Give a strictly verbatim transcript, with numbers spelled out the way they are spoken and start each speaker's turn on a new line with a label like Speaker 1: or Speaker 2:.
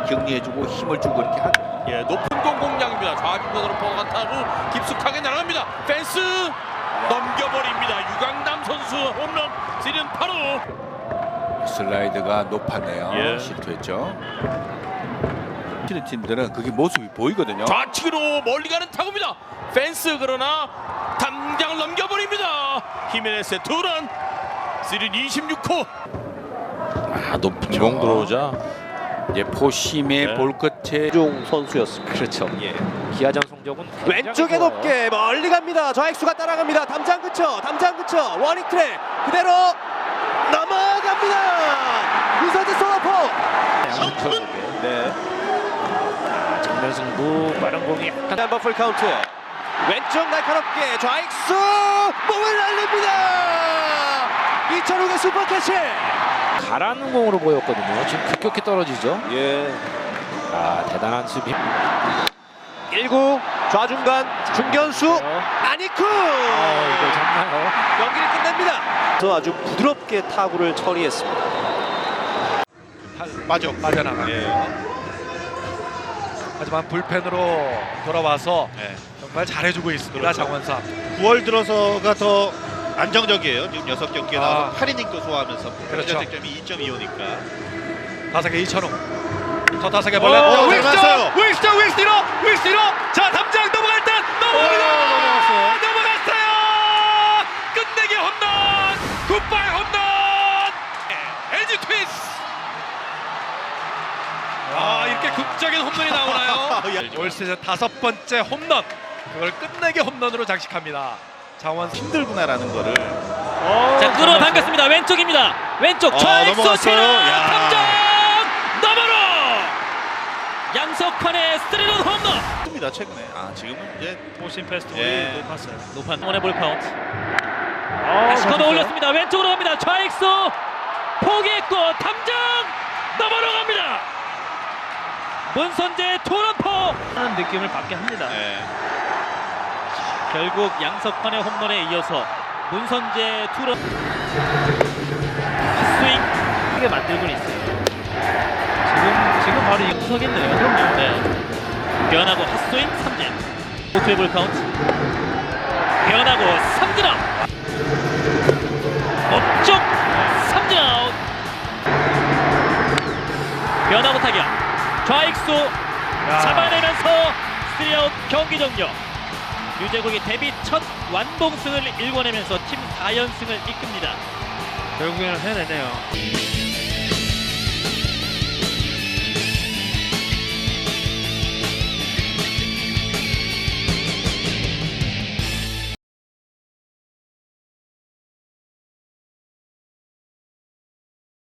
Speaker 1: 격리해주고 힘을 주고 이렇게 하.
Speaker 2: 예, 높은 공 공략입니다. 좌중간으로 버가 타고 깊숙하게 날아갑니다. 펜스 넘겨버립니다. 유강남 선수 홈런 시즌 팔 호.
Speaker 1: 슬라이드가 높았네요.
Speaker 2: 예.
Speaker 1: 실투했죠. 치는 팀들은 그게 모습이 보이거든요.
Speaker 2: 좌측으로 멀리 가는 타구입니다. 펜스 그러나 담장을 넘겨버립니다. 히메네스의 투런 시즌 이십육 호.
Speaker 1: 아, 높죠.
Speaker 2: 공 들어오자.
Speaker 1: 이제 포심의
Speaker 2: 네.
Speaker 1: 볼 끝에
Speaker 3: 종 선수였습니다.
Speaker 4: 그렇죠. 예. 기아장 성적은
Speaker 3: 왼쪽에
Speaker 4: 굉장히 좋아요.
Speaker 3: 높게 멀리 갑니다. 좌익수가 따라갑니다. 담장 근처, 담장 근처, 워닝 트랙 그대로 넘어갑니다. 문선재 솔로포.
Speaker 4: 양천국에
Speaker 3: 네.
Speaker 4: 정면 승부 빠른 공이 약간
Speaker 3: 한번 풀 카운트. 왼쪽 날카롭게 좌익수 몸을 날립니다. 이천욱의 슈퍼캐치.
Speaker 4: 가라는 공으로 보였거든요. 지금 급격히 떨어지죠.
Speaker 3: 예.
Speaker 4: 아 대단한 수비.
Speaker 3: 일 구 좌중간 중견수
Speaker 4: 어.
Speaker 3: 아니쿠.
Speaker 4: 아 이거 잡나요?
Speaker 3: 경기를 끝냅니다. 저 아주 부드럽게 타구를 처리했습니다.
Speaker 5: 빠져 빠져나가요. 하지만 불펜으로 돌아와서 정말 잘해주고 있습니다. 장원삼.
Speaker 6: 구월 들어서가 더 안정적이에요. 지금 여섯 경기에
Speaker 5: 아.
Speaker 6: 나와서 팔 이닝도 소화하면서
Speaker 5: 그렇죠.
Speaker 6: 득점이 이 점 이오니까.
Speaker 5: 타석에 이천웅. 저 타석에
Speaker 6: 오,
Speaker 5: 벌레.
Speaker 6: 잘 맞았어요.
Speaker 5: 윌스터 윌스티로 윌스티로. 자 담장 넘어갈 듯 넘어갑니다.
Speaker 6: 넘어갔어요.
Speaker 5: 넘어갔어요. 끝내기 홈런. 굿바이 홈런. 엘지 트윈스. 아 이렇게 극적인 홈런이 나오나요? 올 시즌 다섯 번째 홈런. 그걸 끝내기 홈런으로 장식합니다. 장원
Speaker 6: 힘들구나라는 거를.
Speaker 7: 자 끌어당겼습니다. 왼쪽입니다. 왼쪽
Speaker 6: 어,
Speaker 7: 좌익수
Speaker 6: 넘어갔어요.
Speaker 7: 치는
Speaker 6: 야.
Speaker 7: 탐정 너머로 양석환의 스리런 홈런.
Speaker 6: 입니다 최근에. 아 지금은 이제
Speaker 7: 오신 페스티벌이
Speaker 6: 예.
Speaker 7: 높았어요. 높은 원의 볼 카운트. 다시 걷어 올렸습니다. 왼쪽으로 갑니다. 좌익수 포기했고 탐정 넘어로 갑니다. 문선재 투런포 하는 느낌을 받게 합니다.
Speaker 6: 예.
Speaker 7: 결국 양석환의 홈런에 이어서 문선재 투런 스윙 크게 만들고 있어요. 지금 지금 바로 이구석했네요. 그럼요. 네. 변하고 핫스윙 삼진. 오투의 볼 카운트. 변하고 삼진 아웃. 업쪽 삼진 아웃. 변하고 타격. 좌익수 잡아내면서 쓰리 아웃 경기 종료. 유재국이 데뷔 첫 완봉승을 일궈내면서 팀 사 연승을 이끕니다. 결국에는 해내네요.